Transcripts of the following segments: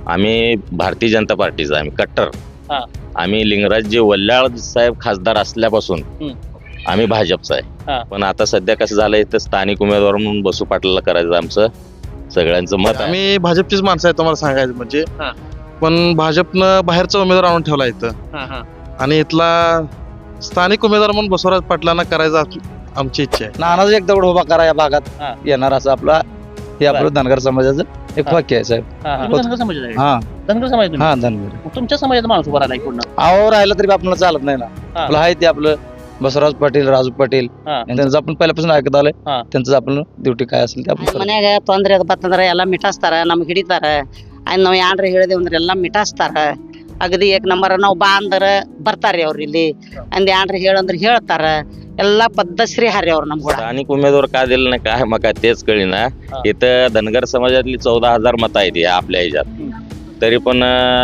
आम्ही भारतीय जनता पार्टीचा आम्ही कट्टर. हा. आम्ही लिंगराजजी वल्लाळ साहेब खासदार असल्यापासून आम्ही भाजपचा हा. आहे. पण आता सध्या कसं झालंय तर स्थानिक उमेदवार म्हणून बसू पाटलाला करायचं आमचं सगळ्यांचं मत आहे. आम्ही भाजपचीच माणसं आहे तुम्हाला सांगायचं म्हणजे. हा. पण भाजपनं बाहेरचा उमेदवार आणून ठेवला इथं हा, हा. आणि इथला स्थानिक उमेदवार म्हणून बसवराज पाटलांना करायचा आमची इच्छा आहे. नानाच एक दगड उभा करा या भागात हा. येणार असं आपला हे आपलं धनगर समाजाचं एक हा. वाक्य आहे साहेब. हा, हा. तुम्ही धनगर समाजाचे आहे? हा धनगर समाज तुम्ही? हा धनगर मग तुमच्या समाजाचा माणूस उभा राहिला पूर्ण. आहो राहिलं तरी आपल्याला चालत नाही ना. हा. आपलं आहे ते आपलं बसवराज पाटील राजू पाटील हा. त्यांचं आपण पहिल्यापासून ऐकत आलोय. हा. त्यांचं आपलं ಡ್ಯೂಟಿ काय असेल ते आपण करतो. ಮನ್ಯಾಗ ತೊಂದ್ರೆ ಬತ್ತಂದ್ರ ಎಲ್ಲ ಮಿಟಾಸ್ತಾರ ನಮ್ಗೆ ಹಿಡಿತಾರ ಆಯ್ತು ನಾವು ಏನ್ರ ಹೇಳಿದೇವ್ ಅಂದ್ರೆ ಎಲ್ಲ ಮಿಟಾಸ್ತಾರ ಅಗದಿ ಏಕ್ ನಂಬರ್ ನಾವು ಬಾ ಅಂದ್ರ ಬರ್ತಾರ್ರಿ ಅವ್ರು ಇಲ್ಲಿ ಅಂದ್ ಏನ್ರ ಹೇಳಂದ್ರ ಹೇಳ್ತಾರ ಎಲ್ಲಾ ಪದ್ಧಶ್ರೀ ಹಾರಿ ಅವ್ರು ನಮ್ಗ स्थानिक उमेदवार का दिलं नाही काय मग काय तेच कळीना. हा. इथं धनगर समाजातली 14,000 मतं आहेत या आपल्या ह्याच्यात. तरी पण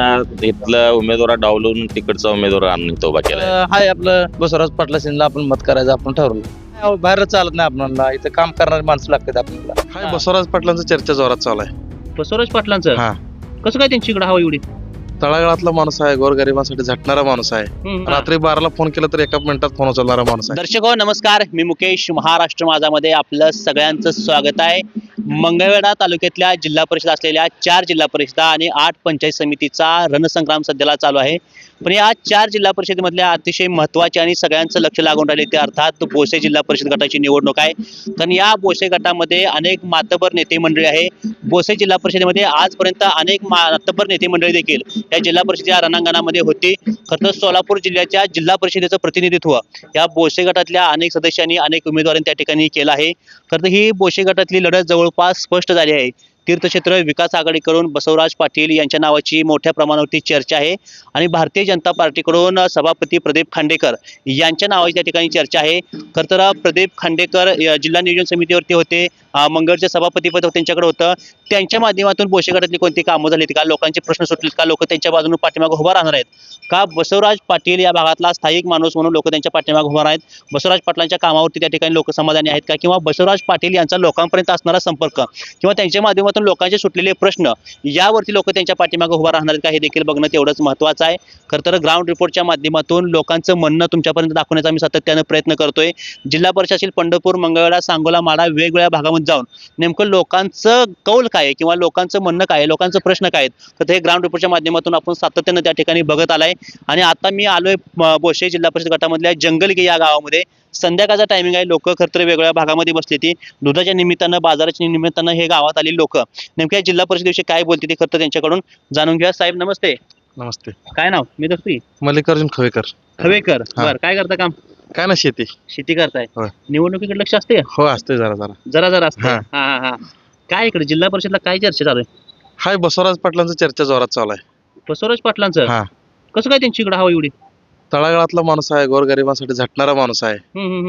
इथलं उमेदवार डावलून तिकडचा उमेदवार आणून तो उभा केलाय. हाय आपलं बसवराज पाटला सिंधला आपण मत करायचं आपण ठरवलं. अहो, बाहेर चालत नाही आपल्याला इथं काम करणारी माणसं लागतात आपल्याला. हाय बसवराज पाटलांचं चर्चा जोरात चालू आहे. बसवराज पाटलांचं हा. कसं काय त्यांची इकडे हवा एवढी? तळागाळातला माणूस आहे, गोरगरिबांसाठी झटणारा माणूस आहे. रात्री 12ला फोन केला तर एका मिनिटात फोन उचलणारा माणूस आहे. दर्शक हो नमस्कार, मी मुकेश. महाराष्ट्र माझामध्ये आपलं सगळ्यांचं स्वागत आहे. मंगळवेढा तालुक्यातल्या जिल्हा परिषद असलेल्या 4 जिल्हा परिषदा आणि 8 पंचायत समितीचा रणसंग्राम सध्याला चालू आहे. पण या 4 जिल्हा परिषदेमधल्या अतिशय महत्त्वाचे आणि सगळ्यांचं लक्ष लागून राहिले ते अर्थात बोसे जिल्हा परिषद गटाची निवडणूक आहे. कारण या बोसे गटामध्ये अनेक मातबर नेते मंडळी आहे. बोसे जिल्हा परिषदेमध्ये आजपर्यंत अनेक मातबर नेते मंडळी देखील या जिल्हा परिषदेच्या रणांगणामध्ये होती. खरं तर सोलापूर जिल्ह्याच्या जिल्हा परिषदेचं प्रतिनिधित्व या बोसे गटातल्या अनेक सदस्यांनी अनेक उमेदवारांनी त्या ठिकाणी केलं आहे. खरं तर ही बोसे गटातली लढत जवळपास स्पष्ट झाली आहे. तीर्थक्षेत्र विकास आघाडीकडून बसवराज पाटील यांच्या नावाची मोठ्या प्रमाणावरती चर्चा आहे आणि भारतीय जनता पार्टीकडून सभापती प्रदीप खांडेकर यांच्या नावाची त्या ठिकाणी चर्चा आहे. खरं तर प्रदीप खांडेकर जिल्हा नियोजन समितीवरती होते, मंगळचे सभापतीपद त्यांच्याकडे होतं. त्यांच्या माध्यमातून बोसे गटातली कोणती कामं झालीत का, लोकांचे प्रश्न सुटलेत का, लोक त्यांच्या बाजूने पाठीमागे उभा राहणार आहेत का, बसवराज पाटील या भागातला स्थायिक माणूस म्हणून लोक त्यांच्या पाठीमागे उभा आहेत, बसवराज पाटलांच्या कामावरती त्या ठिकाणी लोक समाधानी आहेत का, किंवा बसवराज पाटील यांचा लोकांपर्यंत असणारा संपर्क किंवा त्यांच्या माध्यमातून लोकांचे सुटलेले प्रश्न यावरती लोक त्यांच्या पाठीमागे उभा राहणार आहेत का, हे देखील बघणं तेवढंच महत्त्वाचं आहे. खरं तर ग्राउंड रिपोर्टच्या माध्यमातून लोकांचं म्हणणं तुमच्यापर्यंत दाखवण्याचा आम्ही सातत्यानं प्रयत्न करतोय. जिल्हा परिषदेतील पंढरपूर, मंगळवेढा, सांगोला, माढा वेगवेगळ्या भागामध्ये जाऊन नेमकं लोकांचं कौल काय आहे किंवा लोकांचं म्हणणं काय आहे, लोकांचं प्रश्न काय आहेत, तर हे ग्राउंड रिपोर्टच्या माध्यमातून आपण सातत्यानं त्या ठिकाणी बघत आलाय. आणि आता मी आलोय बोसे जिल्हा परिषद गटामधल्या जंगलगी या गावामध्ये. संध्याकाळचा टायमिंग आहे. लोक खरं तर वेगवेगळ्या भागामध्ये बसली ती दुधाच्या निमित्तानं, बाजाराच्या निमित्तानं हे गावात आलेली लोक नेमक्या जिल्हा परिषदेविषयी काय बोलते ते खरं तर त्यांच्याकडून जाणून घ्या. साहेब नमस्ते. नमस्ते. काय नाव? मी दसरी मल्लिकार्जुन खवेकर. खवेकर. हा. बरं, काय करता काम? काय ना शेती. शेती करताय. होय. निवडणुकीकडे लक्ष असते का? हो असते जरा जरा. जरा जरा असते. हा. हा हा हा. काय इकडे जिल्हा परिषदला काय चर्चा चालू आहे? हाय बसवराज पाटलांचं चर्चा जोरात चालू आहे. बसवराज पाटलांचं हा. कसं काय त्यांची इकडे हवा एवढी? तळागाळातला माणूस आहे, गोरगरिबांसाठी झटणारा माणूस आहे.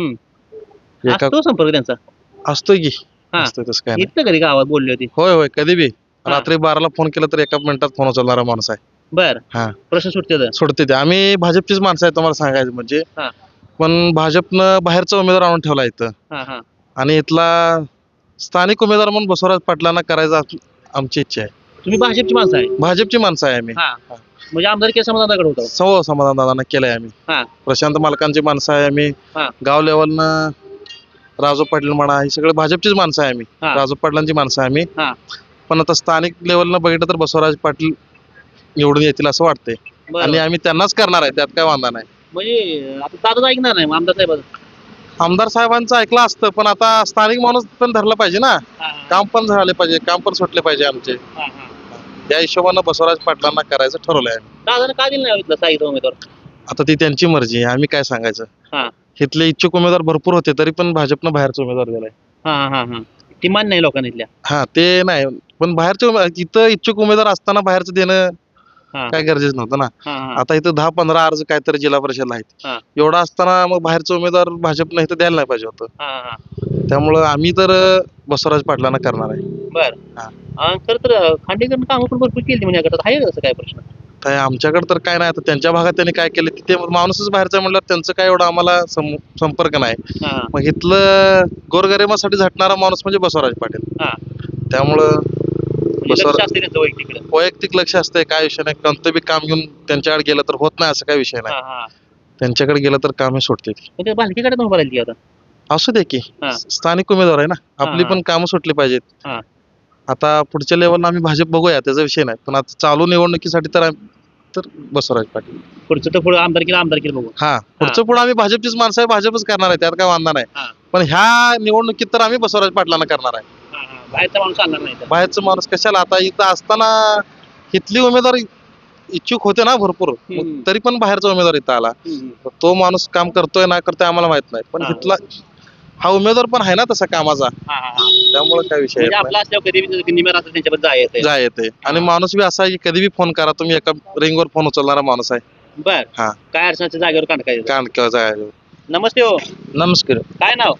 एका असतो संपर्क त्यांचा? असतोय की. हा. असतोय तसं काय नाही. इथं कधी गावात बोलली होती? होय होय कधी बी. हा. रात्री 12ला फोन केला तर एका मिनिटात फोन उचलणारा माणूस आहे. बर. हा. प्रश्न सुटते. सोडते ते. आम्ही भाजपचीच माणसं आहे तुम्हाला सांगायचं म्हणजे. हा. पण भाजपनं बाहेरचा उमेदवार आणून ठेवला इथं हा हा. आणि इथला स्थानिक उमेदवार म्हणून बसवराज पाटलांना करायचा आमची इच्छा आहे. तुम्ही भाजपची माणसं आहे? भाजपची माणसं आहे आम्ही. हा. म्हणजे आमदार केस समाधानाकडे होतो? सौ समाधान दादांना केलंय आम्ही. हा. प्रशांत मालकांची माणसं आहे आम्ही. हा. गाव लेवलनं राजू पाटील म्हणा ही सगळे भाजपचीच माणसं आहे आम्ही. हा. राजू पाटलांची माणसं आहे आम्ही. हा. पण आता स्थानिक लेवलनं बघितलं तर बसवराज पाटील निवडून येतील असं वाटतंय बरं. आणि आम्ही त्यांनाच करणार आहे, त्यात काय वांधा नाही. म्हणजे आता दादा ऐकणार नाही मग आमदार साहेब? आमदार साहेबांचं ऐकलं असतं पण आता स्थानिक माणूस पण धरला पाहिजे ना. काम पण झाले पाहिजे, काम पण सुटले पाहिजे आमचे. त्या हिशोबानं बसवराज पाटलांना करायचं ठरवलंय. दादाने काय दिलं नाही इथलं साहित्य उमेदवार? आता ती त्यांची मर्जी आहे, आम्ही काय सांगायचं. हा. इथले इच्छुक उमेदवार भरपूर होते तरी पण भाजपनं बाहेरचा उमेदवार दिलाय. हा हा हा. ती मान नाही लोकांना इथल्या? हा ते नाही, पण बाहेरचे इथं इच्छुक उमेदवार असताना बाहेरचं देणं हा. काय गरजेचं नव्हतं ना. हा हा. आता इथं 10-15 अर्ज काहीतरी जिल्हा परिषदला आहेत. हा. एवढा असताना मग बाहेरचं उमेदवार भाजपनं इथं द्यायला नाही पाहिजे होतं. हा हा. त्यामुळं आम्ही तर बसवराज पाटलांना करणार आहे. बर. हा. खरं तर खांडेकरनं कामं पण भरपूर केली म्हणजे गटात आहे का तसं काय प्रश्न? काय आमच्याकडे तर काय नाही. आता त्यांच्या भागात त्यांनी काय केलं तिथे माणूसच बाहेरचा म्हणल्यावर त्यांचं काय एवढं आम्हाला संपर्क नाही. हा. मग इथलं गोरगरिबासाठी झटणारा माणूस म्हणजे बसवराज पाटील. हा. त्यामुळं बसवर लक्ष असते त्यांचं वैयक्तिक वैयक्तिक लक्ष असते, काय विषय नाही. कोणतं बी काम घेऊन त्यांच्याकडे गेलं तर होत नाही असं काय विषय नाही. त्यांच्याकडे गेलं तर काम हे सोडते ती. बालकीकडे पण भरायला आता असू दे की, हा. स्थानिक उमेदवार आहे ना, आपली हा. पण कामं सुटली पाहिजेत. हा. आता पुढच्या लेवलला आम्ही भाजप बघूया, त्याचा विषय नाही. पण आता चालू निवडणुकीसाठी तर बसवराज पाटील. पुढचं तर पुढे आमदारकीला बघू. हा, पुढचं पुढे आम्ही भाजपचीच माणसं आहे, भाजपच करणार आहे, त्यात काय वांधा नाही. हा. पण ह्या निवडणुकीत तर आम्ही बसवराज पाटलांना करणार आहे. बाहेरचा माणूस आणणार नाही तर. बाहेरचं माणूस कशाला, आता इथं असताना इथली उमेदवार इच्छुक होते ना भरपूर, हम्म. तरी पण बाहेरचा उमेदवार इथं आला. तो माणूस काम करतोय ना करतोय आम्हाला माहित नाही, पण हा. इथला हा उमेदवार पण आहे ना तसा कामाचा, त्यामुळे काय विषय म्हणजे येत आपला असल्यावर कधी निम्या राहतात त्यांच्याबद्दल जायचं नाही. जाय येते. आणि हा. माणूस बी असा आहे की कधी बी फोन करा तुम्ही, एका रिंगवर फोन उचलणारा माणूस आहे. बर. हा. काय अडचणच्या जागेवर काढायचं. कारण किंवा जाय नमस्ते हो, नमस्कार. काय नाव?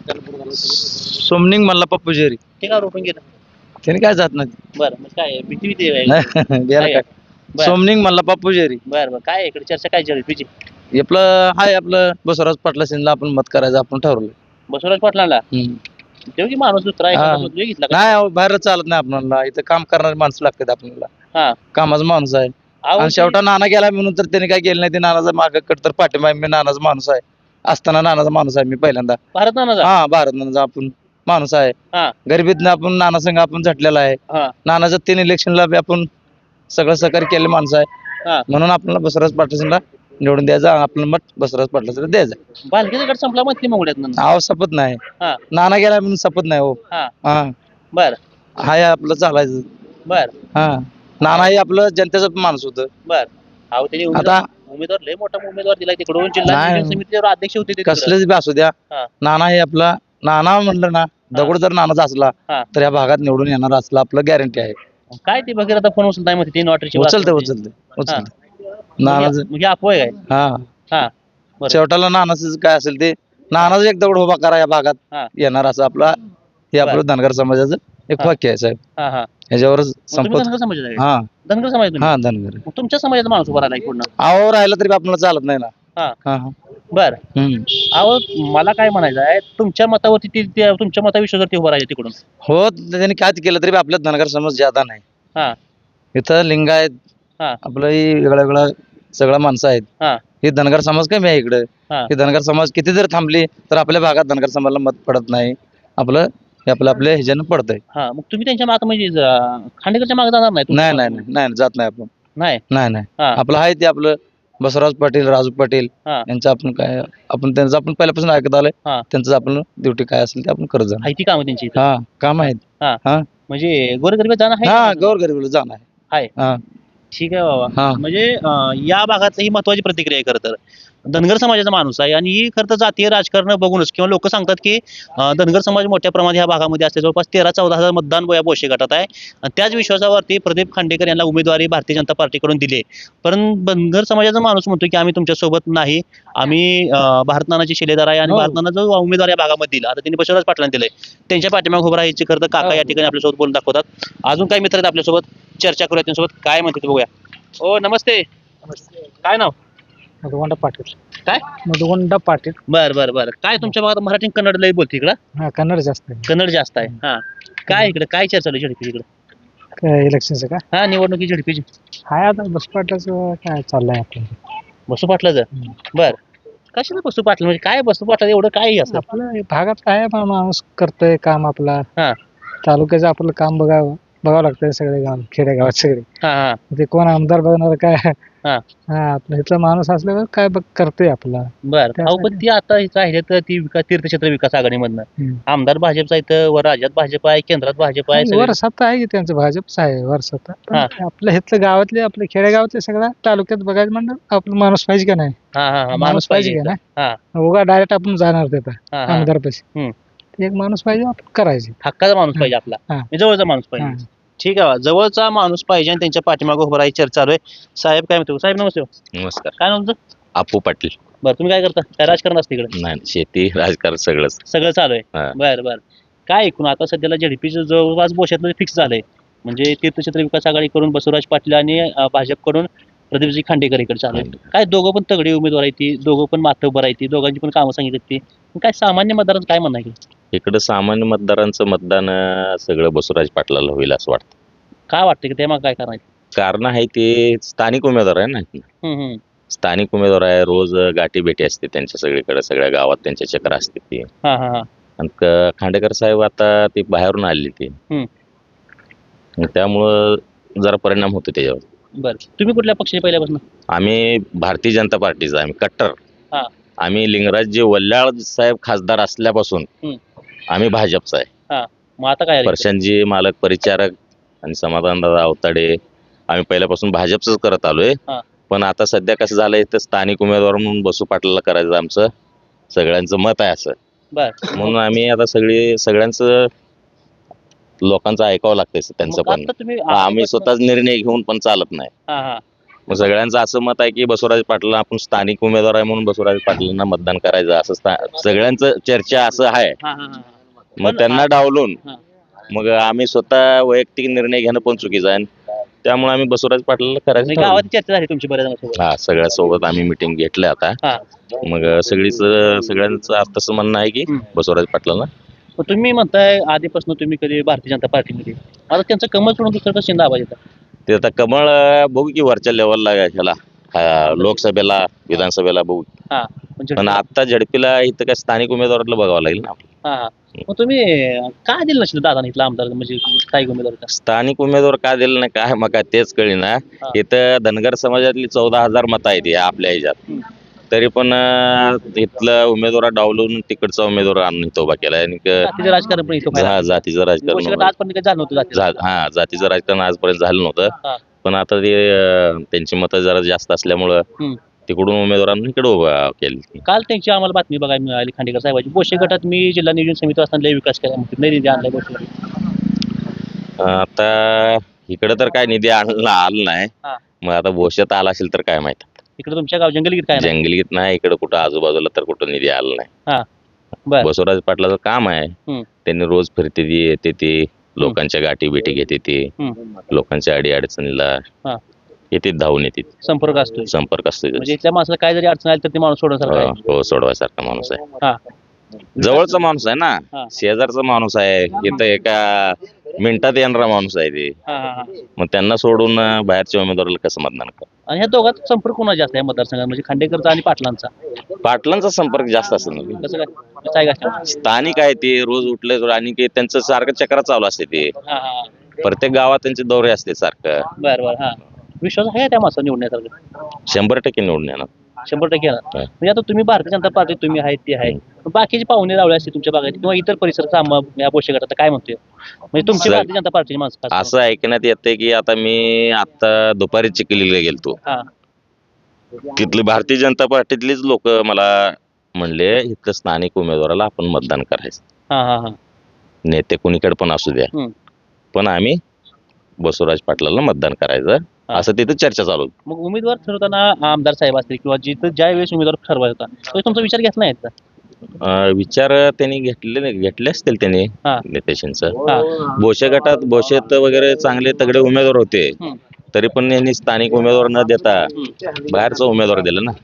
सोमनिंग मल्ला पप्पू जेरी. ते का रोपण गेलं? त्याने काय जात नाही. बरं, मग काय भीती आहे? गेला काय? काय. बरं. सोमनिंग मल्ला पप्पू जेरी. बरं काय इकडे चर्चा काय झाली तुझी? आपलं हाय, आपलं बसवराज पाटला सिंधला आपण मत करायचं आपण ठरवलं. बसवराज पाटलांना देऊ की माणूस दुसरा हा. एखादा मुलगा घेतला का? नाही अहो, बाहेर चालत नाही आपल्याला, इथं काम करणारी माणसं लागतात आपल्याला. हा. कामाचा माणूस आहे. अहो, आणि शेवटा नाना गेला म्हणून तर त्याने काय केलं नाही, ते नानाचा मागं कट तर पाठिंबा आहे. मी नानाचा माणूस आहे, असताना नानाचा माणूस आहे मी पहिल्यांदा. भारत नानाचा? हा, भारत नानाचा आपण माणूस आहे. हा. गरिबीतनं आपण नाना संघ आपण झटलेला आहे. हा. नानाचं 3 इलेक्शनला बी आपण सगळं सहकार्य केले माणसं आहे. हा. म्हणून आपल्याला बसवराज पाटलांना निवडून द्यायचं, आपलं मत बसवराज पाटलांना द्यायचं. बालकीचा गट संपला म्हणते मंगळ्यात. अहो सपत नाही, हा. नाना गेला म्हणून सपत नाही हो. हा. हा, बर हाय आपलं चालायचं. बर हा, नाना हे आपलं जनतेचा माणूस होतं. बर. अहो त्याने आता उमेदवार लय मोठा उमेदवार दिला तिकडून, जिल्हा नाही. नियोजन समितीवर अध्यक्ष होते ते तिकडं. कसलेच बी असू द्या, हा. नाना हे आपला, नाना म्हणलं ना, दगड जर नानाचा असला हा. तर या भागात निवडून येणार असला आपलं गॅरंटी आहे. काय ते बघितलं आता फोन उचलताय म्हणते 3 वॉटरची उचलते नानाच. म्हणजे अपोय काय? हा, हा. बरं. शेवटाला नानाच काय असेल ते, नानाच एक दगड उभा करा या हा. भागात येणार असं आपला हे आपलं धनगर समाजाचं एक हा. वाक्य आहे साहेब. हा. हा. ह्याच्यावरच मग तुम्ही संपत. धनगर समाजाचा आहे? हा धनगर समाज तुम्ही? हा, धनगर. मग तुमच्या समाजाचा माणूस उभा राहिला पूर्ण. अहो राहिला तरी आपल्याला चालत नाही ना. हा. हा, हा. बर. हम्म. अहो मला काय म्हणायचं आहे, तुमच्या मतावरती तुमच्या मताविषयी जर ते उभं राहिले तिकडून. हो, त्यांनी काय केलं तरी आपल्या धनगर समाज ज्यादा नाही. हा. इथं लिंगायत हा. आपलं ही वेगळं वेगळं सगळं माणसं आहेत. हा. हे धनगर समाज कमी आहे इकडे. हा. हे धनगर समाज किती जर थांबली तर आपल्या भागात धनगर समाजाला मत पडत नाही. आपलं हे आपल्या ह्याच्यानं पडतंय. हा. मग तुम्ही त्यांच्या मागे म्हणजे खांडेकरच्या मागे जाणार नाही? नाही नाही नाही नाही, जात नाही आपण. नाही. नाही नाही, हा. आपलं आहे ते आपलं बसवराज पाटील, राजू पाटील हा. यांचं आपण काय, आपण त्यांचं आपण पहिल्यापासून ऐकत आलोय. हा. त्यांचं आपण ड्युटी काय असेल ते आपण करत जाणार. आहे ती कामं त्यांची इथं? हा, काम आहेत. हा. हा. म्हणजे गोरगरीब जाणार हा, आहे? गोरगरीबला जाणार आहे. हा. ठीक आहे बाबा. हा. म्हणजे या भागातली ही महत्वाची प्रतिक्रिया आहे खरं तर. धनगर समाजाचा माणूस आहे आणि ही खरं तर जातीय राजकारण बघूनच किंवा लोक सांगतात की धनगर समाज मोठ्या प्रमाणात ह्या भागामध्ये असते. जवळपास 13-14 हजार मतदान या बोशे गटात आहे आणि त्याच विश्वासावरती प्रदीप खांडेकर यांना उमेदवारी भारतीय जनता पार्टीकडून दिली. पण धनगर समाजाचा माणूस म्हणतो की आम्ही तुमच्यासोबत नाही, आम्ही भारत नानाचे शिलेदार आहे आणि हो. भारत नाना जो उमेदवार या भागामध्ये दिला, आता त्यांनी बसवराज पाटलांना दिले, त्यांच्या पाठीमागे उभं राहायची खरं तर काका या ठिकाणी आपल्यासोबत बोलून दाखवतात. अजून काही मित्र आहेत आपल्यासोबत, चर्चा करूया त्यांच्यासोबत, काय म्हणते ते बघूया. ओ नमस्ते, काय नाव? मधुगंडा पाटील. काय? मधुगंडा पाटील. बर बर बर. काय तुमच्या भागात मराठी आणि कन्नड लई बोलते इकडं? हा, कन्नड जास्त आहे. कन्नड जास्त आहे. हा. काय इकडे काय चर्चा चालू झडपी इकडे? काय इलेक्शनचं का? हा, निवडणुकी झडपीची. हाय आता बस पाटलाचं काय चाललंय आपलं. बसू पाटलाचं? बर. कशाला बसू पाटला म्हणजे काय बसू पाटला एवढं काय असं? आपलं हे भागात काय आहे, माणूस करतोय काम आपला. हा. तालुक्याचं आपलं काम बघावं लागतंय सगळे गाव खेडेगावात सगळे. हा. हा. ते कोण आमदार बघणार काय. हा. हा, आपलं इथला माणूस असल्यावर काय करतोय आपला. बर. अहो पण ती आता राहिले तर ती तीर्थक्षेत्र विकास आघाडीमधनं आमदार भाजपचा इथं, वर राज्यात भाजप आहे, केंद्रात भाजप आहे, सगळे- वर सत्ता आहे की त्यांचं, भाजपच आहे वर सत्ता. पण हा. आपलं इथलं गावातले आपले खेडेगावातले सगळ्या तालुक्यात बघायचं म्हणलं आपलं माणूस पाहिजे का नाही. हा. हा. हा. माणूस पाहिजे का इथं. नाही. हा. उगा डायरेक्ट आपण जाणार तिथं हा. हा. आमदार पैसे. हम्म. एक माणूस पाहिजे आपण करायचे. हक्काचा माणूस पाहिजे आपला, हा. म्हणजे जवळचा माणूस पाहिजे. हा. ठीक आहे, जवळचा माणूस पाहिजे आणि त्यांच्या पाठीमागे उभं राहायची चर्चा चालू आहे. साहेब काय म्हणतो? साहेब नमस्ते. नमस्कार. काय नाव तुमचं? अप्पू पाटील. बरं, तुम्ही काय करता? काय राजकारण असते इकडे? नाही, शेती राजकारण सगळंच. सगळं चालू आहे. हा. बर बर. काय ऐकून आता सध्याला झडपीचं जवळपास बोशातलं फिक्स झालंय, म्हणजे तीर्थक्षेत्र विकास आघाडी करून बसवराज पाटील आणि भाजपकडून प्रदीपजी खांडेकर इकडे चालू आहे. काय दोघं पण तगडी उमेदवार आहेत, ती दोघं पण माथेवर आहेत, ती दोघांची पण कामं सांगितली ती. काय सामान्य मतदारांचं काय म्हणणं आहे? इकडं सामान्य मतदारांचं मतदान सगळं बसवराज पाटलाला होईल असं वाटतं. काय वाटतं की ते मग काय करायचं? कारण आहे ते स्थानिक उमेदवार आहे ना. स्थानिक उमेदवार आहे, रोज गाठी भेटी असते त्यांच्या सगळीकडे, सगळ्या गावात त्यांच्या चक्र असते ती. हा हा हा आणि खांडेकर साहेब आता ते बाहेरून आले ते, मग त्यामुळं जरा परिणाम होतो त्याच्यावर. बरं, तुम्ही कुठल्या पक्षाचे पहिल्यापासून? आम्ही भारतीय जनता पार्टीचा, आम्ही कट्टर. हा. आम्ही लिंगराजजी वल्लाळ साहेब खासदार असल्यापासून आम्ही भाजपचा आहे. मग आता काय? प्रशांतजी मालक परिचारक आणि समाधानदादा अवताडे आम्ही पहिल्यापासून भाजपच करत आलोय. हा. पण आता सध्या कसं झालंय तर स्थानिक उमेदवार म्हणून बसू पाटलाला करायचं आमचं सगळ्यांचं मत आहे असं. बर, म्हणून आम्ही आता सगळ्यांचं लोकांचं ऐकावं लागतंय त्यांचं पण. आम्ही स्वतःच निर्णय घेऊन पण चालत नाही. मग सगळ्यांचं असं मत आहे की बसवराज पाटील आपण स्थानिक उमेदवार आहे म्हणून बसवराज पाटलांना मतदान करायचं असं सगळ्यांचं चर्चा असं आहे. मग त्यांना डावलून मग आम्ही स्वतः वैयक्तिक निर्णय घेणं पण चुकीचं आहे. त्यामुळे आम्ही बसवराज पाटलाला करायचं ठरवलं. गावात चर्चा झाली तुमची बऱ्याच? हा, सगळ्या सोबत आम्ही मिटिंग घेतली आता. मग सगळ्यांचं तसं म्हणणं आहे की बसवराज पाटलांना. तुम्ही म्हणताय आधीपासून तुम्ही कधी भारतीय जनता पार्टीमध्ये, आता त्यांचं कमळ सोडून दुसरं कसं दाबायचं? ते आता कमळ बघू की वरच्या लेवलला ह्याला लोकसभेला विधानसभेला बघू. पण आता झडपीला इथं काय स्थानिक उमेदवाराला बघावं लागेल ना. मग तुम्ही काय दिलं नसेल दादा इथला आमदार म्हणजे स्थानिक उमेदवार? स्थानिक उमेदवार का दिलं नाही काय मग तेच कळी ना. इथं धनगर समाजातली 14,000 मतं आहेत आपल्या ह्याच्यात. तरी पण इथलं उमेदवार डावलून तिकडचा उमेदवार आणून इथं उभा केलाय. जातीचं राजकारण पण इथं व्हायला लागलं. जातीचं राजकारण आजपर्यंत काही झालं नव्हतं जातीचं. हा, जातीचं राजकारण आजपर्यंत झालं नव्हतं. पण आता ते त्यांची मतं जरा जास्त असल्यामुळं तिकडून उमेदवारांनी इकडे उभा केली. काल त्यांची आम्हाला बातमी बघायला मिळाली खांडेकर साहेबांची, बोशे गटात मी जिल्हा नियोजन समिती असताना लय विकास केला म्हणते, नाही निधी आणलाय बोशे गटात. आता इकडे तर काय निधी आला नाही. मग आता भोश्यात आला असेल तर काय माहित. इकडे तुमच्या गाव जंगलगीत काय नाही? जंगलगीत नाही, इकडे कुठं आजूबाजूला तर कुठं निधी आला नाही. बरं, बसवराज पाटलाचं काम आहे. त्यांनी रोज फिरते ती, येते ती, लोकांच्या गाठी भेटी घेते ती, लोकांच्या अडी अडचणीला येते, धावून येते. संपर्क असतो. संपर्क असतो. म्हणजे इथल्या माणसाला काय जरी अडचण आली तर ते माणूस सोडण्यासारखा आहे. हो, सोडवायसारखा माणूस आहे. जवळचा माणूस आहे ना, शेजारचा माणूस आहे. इथं एका मिनिटात येणारा माणूस आहे ते. मग त्यांना सोडून बाहेरच्या उमेदवाराला कसं मतदान कर. आणि ह्या दोघांचा संपर्क कोणा जास्त आहे मतदारसंघात, म्हणजे खांडेकरचा आणि पाटलांचा? पाटलांचा संपर्क जास्त असेल ना. कसं काय? स्थानिक आहे ते, रोज उठले आणि त्यांचं सारखं चक्र चालू असते ते. प्रत्येक गावात त्यांचे दौरे असते सारखं. बरं, विश्वास आहे त्या माणसाला निवडण्यासारखं? 100% निवडून येणार. 100% येणार. म्हणजे आता तुम्ही भारतीय जनता पार्टी तुम्ही आहेत ते आहे, बाकीचे पाहुणे रावळे असते तुमच्या भागात किंवा इतर परिसरात या बोशे गटात काय म्हणतोय, म्हणजे तुमची भारतीय जनता पार्टीची माणसं असं ऐकण्यात येते की आता दुपारी चिखलीला गेलतो, तिथली भारतीय जनता पार्टीतलीच लोक मला म्हणले इथलं स्थानिक उमेदवाराला आपण मतदान करायचं. नेते कुणीकडे पण असू द्या, पण आम्ही बसवराज पाटलाला मतदान करायचं असं तिथे चर्चा चालू. मग उमेदवार ठरवताना आमदार साहेब असतील किंवा जिथं ज्या वेळेस उमेदवार ठरवायचा तो तुमचा विचार घेतला नाही का? विचार त्यांनी घेतले असतील त्यांनी नेत्यांचं. बोशे गटात बोशेत वगैरे चांगले तगडे उमेदवार होते, तरी पण यांनी स्थानिक उमेदवार न देता बाहेरचा उमेदवार दिला ना.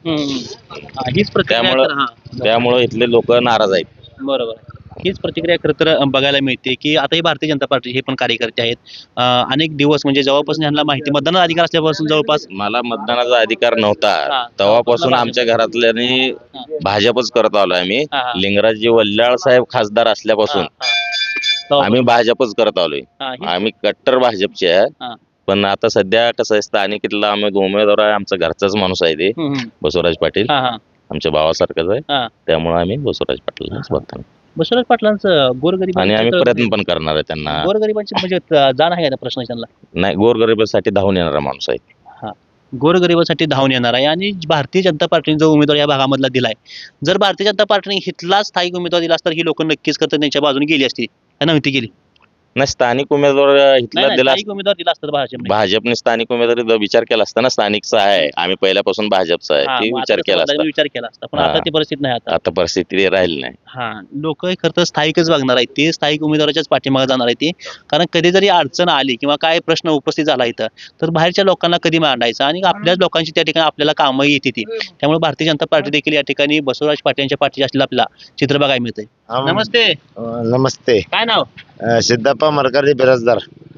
त्यामुळं इथले लोक नाराज आहेत. बरोबर, हीच प्रतिक्रिया खरं तर बघायला मिळते की आता ही भारतीय जनता पार्टी हे पण कार्यकर्ते आहेत. अनेक दिवस म्हणजे जेव्हापासून यांना माहिती मतदानाचा अधिकार असल्यापासून जवळपास मला मतदानाचा अधिकार नव्हता तेव्हापासून आमच्या घरातल्यानी भाजपच करत आलोय आम्ही. लिंगराजजी वल्लाळ साहेब खासदार असल्यापासून आम्ही भाजपच करत आलोय. आम्ही कट्टर भाजपचे आहे. पण आता सध्या कसं आहे, स्थानिकीतला आम्ही उमेदवार आहे, आमचा घरचाच माणूस आहे ते बसवराज पाटील, आमच्या भावासारखंच आहे. त्यामुळे आम्ही बसवराज पाटीलच मतदान. बसवराज पाटलांचं गोरगरीब आणि आम्ही प्रयत्न पण करणार आहे त्यांना. गोरगरिबांची म्हणजे जाण आहे का प्रश्न त्यांना? नाही, गोरगरिबासाठी धावून येणारा माणूस आहे. गोरगरिबासाठी धावून येणार आहे. आणि भारतीय जनता पार्टीने जो उमेदवार या भागामधला दिलाय, जर भारतीय जनता पार्टीने इथला स्थायिक उमेदवार दिला असता ही लोक नक्कीच करतात त्यांच्या बाजूने गेली असती, नव्हती गेली. नाही, स्थानिक उमेदवार इथला दिला, उमेदवार दिला असता भाजपने स्थानिक उमेदवारी विचार केला असता ना. स्थानिकचा आहे, आम्ही पहिल्यापासून भाजपचा आहे, ते विचार केला असता. पण आता ती परिस्थिती नाही. आता परिस्थिती राहिली नाही. लोक खरं तर स्थायिकच बघणार आहेत, ते स्थायिक उमेदवाराच्याच पाठीमागे जाणार आहे ते. कारण कधी जरी अडचण आली किंवा काय प्रश्न उपस्थित झाला इथं, तर बाहेरच्या लोकांना कधी मांडायचं आणि आपल्याच लोकांची त्या ठिकाणी आपल्याला कामं येते ती. त्यामुळे भारतीय जनता पार्टी देखील या ठिकाणी बसवराज पाटील यांच्या पाठीशी असलेलं आपल्याला चित्र बघायला मिळतंय. नमस्ते. नमस्ते. काय नाव? सिद्धप्पा मरकरी बिराजदार.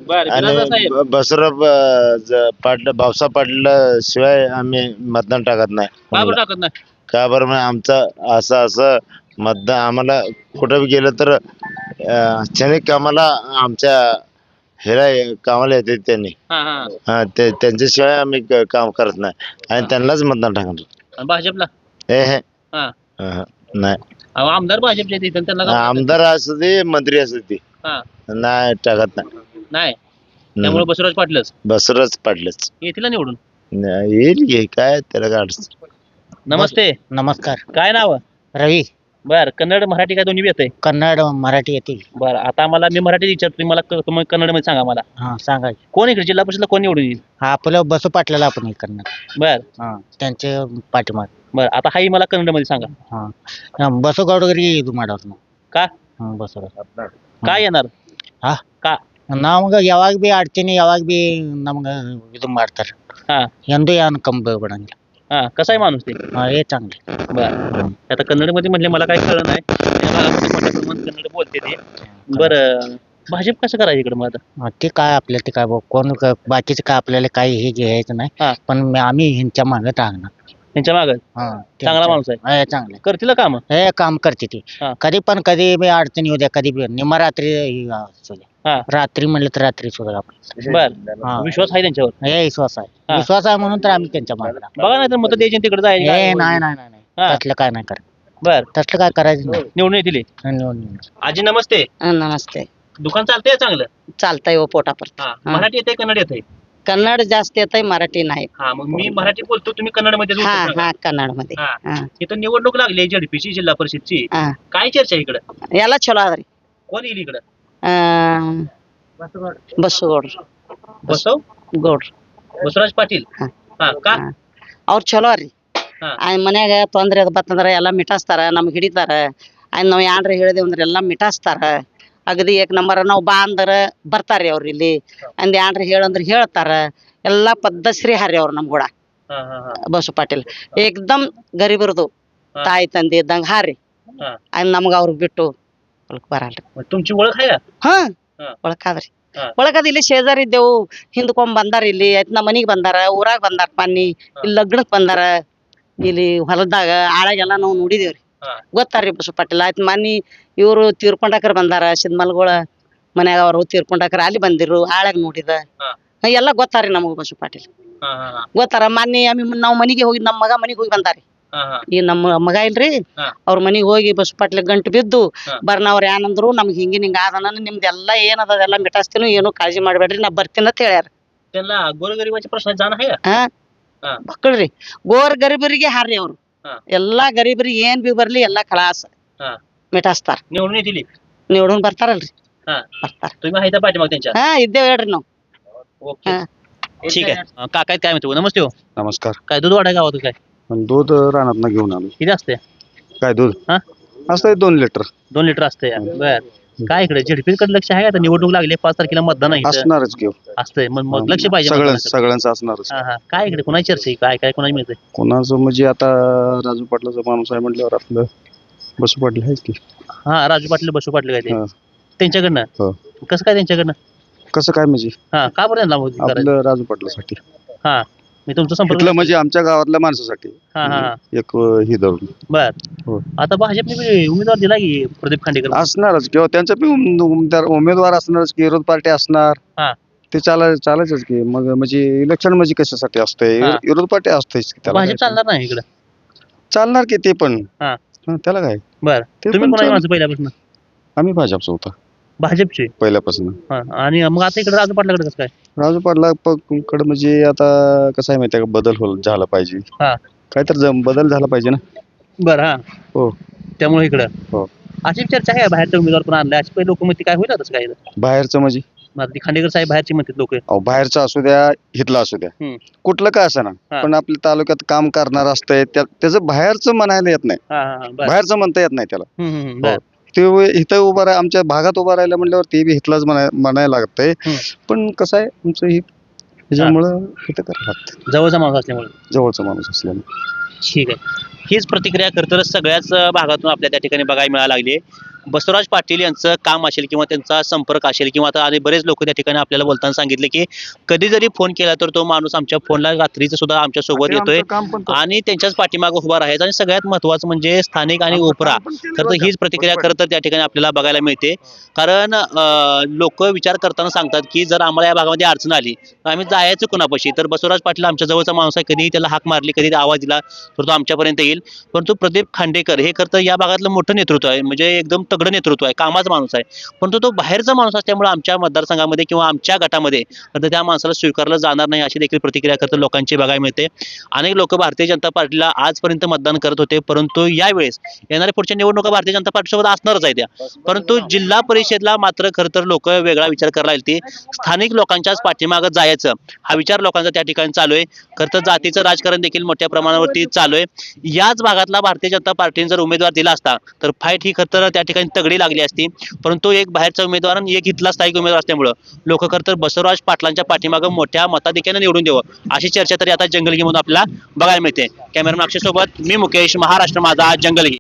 बर विलासराव साहेब आणि बसवराव पाटील भाऊसाहेब पाटील शिवाय आम्ही मतदान टाकत नाही का बरं टाकत नाही का बरं म्हणजे आमचं असं मतदान आम्हाला कुठं बी गेलं तर क्षणिक कामाला आमच्या हेला कामाला येते त्यांनी हा हा हा त्यांच्याशिवाय आम्ही काम करत नाही आणि त्यांनाच मतदान टाकणार आणि भाजपला हे हा नाही अहो, आमदार भाजपचे आहेत इथं, त्यांना का म्हणतात? आमदार असू दे मंत्री असू दे हा नाही टाकत नाही नाही त्यामुळे बसवराज पाटीलच बसवराज पाटलंच येतील ना निवडून. येईल घे काय त्याला काय अडचण. नमस्ते नमस्कार. काय नाव रवी. बर कन्नड मराठी काय दोन्ही येत आहे कन्नड मराठी येते. बरं आता मला मी मराठी विचारतो तुम्ही मला तुम्ही कन्नड मध्ये सांगा मला हा सांगा. कोण इकडे जिल्हा परिषदला कोण निवडून येईल. हा आपलं बसू पाटलाला आपण हे करणार. बर हा त्यांचे पाठीमाग. बर आता हाही मला कन्नड मध्ये सांगा. हा बसू गौडगिरी दुमाडवर का बसू काय येणार ಹಾ का ನಮ್ಗೆ ಯಾವಾಗ ಬಿ ಆಡ್ತೀನಿ ಯಾವಾಗ ಬಿ ನಮ್ಗೆ ಇದು ಮಾಡ್ತಾರೆ हा ಎಂದೂ ಏನು ಕಮ್ಮಿ ಬಿಡಂಗಿಲ್ಲ. हा कसा आहे माणूस ते हे चांगले. बर आता कन्नड मध्ये म्हणले मला काही कळलं नाही त्या भागामध्ये मोठ्या प्रमाणात कन्नड बोलते ते. बरं भाजप कसं करायचं इकडे मग आता ते काय आपल्याला ते काय कोण बाकीचं काय आपल्याला काही हे घ्यायचं हा. नाही पण आम्ही ह्यांच्या मागे टाकणार. त्यांच्या मागे हा चांगला माणूस आहे चांगले करतील काम हे काम करते ती हा. कधी पण कधी बी अडचणी होत्या कधी बी निम्मा रात्री असू द्या. हा रात्री म्हणलं तर रात्री सुद्धा आपण बर हा. विश्वास आहे त्यांच्यावर हे विश्वास आहे हा. विश्वास आहे म्हणून तर आम्ही त्यांच्या मागे लागलो. बघा नाही तर मत द्यायचे तिकडे हे जायचे नाही नाही नाही हा. तसलं काय नाही करत बर तसलं काय करायचं नाही. निवडून येतील निवडून. आजी नमस्ते नमस्ते. दुकान चालतंय चांगलं चालतंय हो पोटापर्यंत. हा मराठी येते कन्नड येते कन्नड जास्त येतंय मराठी नाही. हा मग मी मराठी बोलतो तुम्ही कन्नड मध्ये हा हा कन्नड मध्ये. हा. हा इथं निवडणूक लागली झडपीची जिल्हा परिषदची हा काय चर्चा आहे इकडं ಎಲ್ಲ ಚಲೋ ಅದ್ರಿ. कोण येईल इकडं ಬಸ್ಸುಗೌಡ್ರು बसव ಗೌಡ್ರು बसवराज पाटील हा. हा का ಅವ್ರು ಚಲೋ ರೀ. ಹಾ. ಮನ್ಯಾಗ ತೊಂದ್ರೆ ಅದು ಬತ್ತಂದ್ರ ಎಲ್ಲಾ ಮಿಟಾಸ್ತಾರ ನಮ್ಗೆ ಹಿಡಿತಾರ ನಾವ್ ಯಾನ್ರ ಹೇಳಿದೇವ್ ಅಂದ್ರ ಎಲ್ಲಾ ಮಿಟಾಸ್ತಾರ ಅಗದಿ ಏಕ್ ನಂಬರ್ ನಾವ್ ಬಾ ಅಂದ್ರ ಬರ್ತಾರ್ರಿ ಅವ್ರ ಇಲ್ಲಿ ಅಂದ್ ಯಾನ್ರ ಹೇಳಂದ್ರ ಹೇಳ್ತಾರ ಎಲ್ಲಾ ಪದ್ಧಶ್ರೀ ಹಾರಿ ಅವ್ರು ನಮ್ ಕೂಡ हा हा हा ಬಸು ಪಾಟೀಲ್ ಏಕ್ದಮ್ ಗರೀಬರದು ಹಾ. ತಾಯಿ ತಂದೆ ಇದ್ದಂಗ ಹಾರಿ हा ಅಂದ್ ನಮ್ಗ ಅವ್ರಿಗೆ ಬಿಟ್ಟು ಹೊಲಕ್ ಬರಲ್ರಿ. मग तुमची ओळख आहे का? ಹಾ ಹಾ. ಒಳಕಾದ್ರಿ ಹಾ. ಒಳಕದ ಇಲ್ಲಿ ಶೇಜಾರ್ ಇದ್ದೆವು ಹಿಂದ್ಕೊಂಡ್ ಬಂದಾರ ಇಲ್ಲಿ ಆಯ್ತ್ ನಮ್ಮ ಮನಿಗ್ ಬಂದಾರ ಊರಾಗ ಬಂದಾರ ಪನ್ನಿ ಇಲ್ಲಿ ಲಗ್ನಕ್ ಬಂದಾರ ಇಲ್ಲಿ ಹೊಲದಾಗ ಆಳಾಗೆಲ್ಲ ನಾವು ನೋಡಿದೇವ್ರಿ ಹಾ. ಗೊತ್ತಾರ್ರಿ ಬಸು ಪಾಟೀಲ್ ಆಯ್ತ್ ಮನಿ ಇವ್ರು ತೀರ್ಕೊಂಡಾಕರ್ ಬಂದಾರ ಸಿದ್ಮಲ್ಗಳ ಮನ್ಯಾಗ ಅವ್ರು ತೀರ್ಕೊಂಡಾಕರ್ ಅಲ್ಲಿ ಬಂದಿರು ಆಳಾಗ ನೋಡಿದ ಹಾ. ಎಲ್ಲ ಗೊತ್ತಾರ್ರಿ ನಮಗ ಬಸು ಪಾಟೀಲ್ हा हा हा ಗೊತ್ತಾರ ಮೊನ್ನೆ ನಾವ್ ಮನಿಗೆ ಹೋಗಿ ನಮ್ಮ ಮಗ ಮನಿಗ್ ಹೋಗಿ ಬಂದಾರಿ हा हा ಈ ನಮ್ಮ ಮಗ ಇಲ್ರಿ ಹಾ. ಅವ್ರ ಮನಿಗ್ ಹೋಗಿ ಬಸ್ ಪಾಟ್ಲೆ ಗಂಟು ಬಿದ್ದು ಹಾ. ಬರ್ನವ್ರ ಏನಂದ್ರು ನಮ್ಗೆ ಹಿಂಗ ಆದನ ನಿಮ್ದೆಲ್ಲ ಏನದ ಅದೆಲ್ಲ ಮಿಟಾಸ್ತೀನಿ ಏನು ಕಾಳಜಿ ಮಾಡ್ಬೇಡ್ರಿ ನಾ ಬರ್ತೀನಿ ಅಂತ ಹೇಳ್ಯಾರ. त्यांना गोरगरिबाच्या प्रश्नात जाण आहे का? ಹಾ ಹಾ. ಮಕ್ಕಳ್ರಿ ಗೋರ್ ಗರೀಬರಿಗೆ ಹಾರ್ರಿ ಅವ್ರು ಹಾ. ಎಲ್ಲಾ ಗರೀಬರಿಗೆ ಏನ್ ಬಿ ಬರ್ಲಿ ಎಲ್ಲಾ ಖಲಾಸ್ हा ಮಿಟಾಸ್ತಾರ निवडून येतील निवडून ಬರ್ತಾರಲ್ರಿ हा ಬರ್ತಾರ. तुम्ही माहिती पाठी मग त्यांच्या ಹಾ इದ್ದೇವ್ ಹೇಳ್ರಿ ನಾವು. ओके हा. ठीक आहे काका आहेत काय म्हणतो नमस्ते हो नमस्कार. काय दूध वाढा गावात काय पण दूध रानात घेऊन आलो. किती असते काय दूध हा? असतंय 2 लिटर 2 लिटर असते बर काय इकडे झडपीकडे लक्ष आहे का आता निवडणूक लागली 5 तारखेला मतदान आहे इथं. असणारच घेऊ असतंय मग लक्ष पाहिजे मतदानाकडे. सगळ्यांचं असणारच. हा हा काय इकडे कोणाची चर्चा आहे काय काय कोणाची मिळते कोणाचं म्हणजे आता राजू पाटलाचा माणूस आहे म्हटल्यावर आपलं बसू पाटील आहेच की. हा राजू पाटील बसू पाटील काय ते हा. त्यांच्याकडनं हो. कसं काय त्यांच्याकडनं कसं काय म्हणजे हा का बरं त्यांना मदत करायचं आपलं राजू पाटलासाठी हा मी तुमचा संपर्क इथलं म्हणजे आमच्या गावातल्या माणसासाठी हा हा हा. एक ही धरून बर हो. आता भाजपने बी उमेदवार दिला की प्रदीप खांडेकर असणारच किंवा त्यांचा बी उमेदवार असणारच की विरोध पार्टी असणार. हा. ते चालायचंच की मग म्हणजे इलेक्शन म्हणजे कशासाठी असतंय हा. विरोध पार्टी असतेच की त्याला भाजप काय. चालणार नाही इकडे चालणार की ते पण हा. हा, त्याला काय बर ते तुम्ही पण कोणाची चाल- माणसं पहिल्यापासून आम्ही भाजपचं होतो भाजपचे पहिल्यापासून. हा आणि मग आता इकडे राजू पाटलाकडे कसं काय राजू पाटला कडे म्हणजे आता कसं आहे माहितीये का बदल झाला पाहिजे. हा. काहीतरी बदल झाला पाहिजे ना. बर हा हो. त्यामुळे इकडं हो. अशी चर्चा आहे बाहेरचे उमेदवार पण आणले अशी पहिले लोक म्हणते काय होईल तसं काय बाहेरचं म्हणजे ती खांडेकर साहेब बाहेरचे म्हणतात लोक अहो बाहेरचं असू द्या हितलं असू द्या हम्म. कुठलं काय असं ना हा. पण आपल्या तालुक्यात काम करणार असतंय त्याचं बाहेरचं म्हणायला येत नाही. हा हा बर बाहेरचं म्हणता येत नाही त्याला. बर ते इथं उभा राहा आमच्या भागात उभा राहिलं म्हटल्यावर ते बी हितलाच म्हणायला लागतंय. हम्म. पण कसं आहे तुमचं ही त्याच्यामुळं इथं करायला लागतं जवळचा माणूस असल्यामुळे जवळचा माणूस असल्यामुळे. ठीक आहे हीच प्रतिक्रिया खरं तर सगळ्याच भागातून आपल्या त्या ठिकाणी बघायला मिळायला लागली बसवराज पाटील यांचं काम असेल किंवा त्यांचा संपर्क असेल किंवा आता आणि बरेच लोक त्या ठिकाणी आपल्याला बोलताना सांगितले की कधी जरी फोन केला तर तो माणूस आमच्या फोनला रात्रीचं सुद्धा आमच्या सोबत येतोय आणि त्यांच्याच पाठीमागे उभा राहायचा. आणि सगळ्यात महत्वाचं म्हणजे स्थानिक आणि ओपरा खरं तर हीच प्रतिक्रिया खरं तर त्या ठिकाणी आपल्याला बघायला मिळते. कारण लोक विचार करताना सांगतात की जर आम्हाला या भागामध्ये अडचण आली तर आम्ही जायचं कुणापाशी, तर बसवराज पाटील आमच्या जवळचा माणूस आहे, कधी त्याला हाक मारली कधी आवाज दिला तर तो आमच्यापर्यंत येईल. परंतु प्रदीप खांडेकर हे खरं तर या भागातलं मोठं नेतृत्व आहे, म्हणजे एकदम तगडं नेतृत्व आहे, कामाचा माणूस आहे. परंतु तो बाहेरचा माणूस असल्यामुळे आमच्या मतदारसंघामध्ये किंवा आमच्या गटामध्ये तर त्या माणसाला स्वीकारलं जाणार नाही अशी देखील प्रतिक्रिया खरं तर लोकांची बघायला मिळते. अनेक लोक भारतीय जनता पार्टीला आजपर्यंत मतदान करत होते, परंतु यावेळेस येणाऱ्या पुढच्या निवडणुका भारतीय जनता पार्टीसोबत असणारच आहे त्या. परंतु जिल्हा परिषदला मात्र खरं तर लोक वेगळा विचार करायला लागली. स्थानिक लोकांच्याच पाठीमागं जायचं हा विचार लोकांचा त्या ठिकाणी चालू आहे. खरं तर जातीचं राजकारण देखील मोठ्या प्रमाणावरती चालू आहे. याच भागातला भारतीय जनता पार्टीने जर उमेदवार दिला असता तर फाईट ही खरं तर त्या ठिकाणी तगडी लागली असती. परंतु एक बाहेरचा उमेदवार आणि एक इथला स्थायिक उमेदवार असल्यामुळं लोक खरं तर बसवराज पाटलांच्या पाठीमागं मोठ्या मताधिक्याने निवडून द्यावं अशी चर्चा तरी आता जंगलगी म्हणून आपल्याला बघायला मिळते. कॅमेरामॅन अक्षय सोबत मी मुकेश, महाराष्ट्र माझा जंगलगी.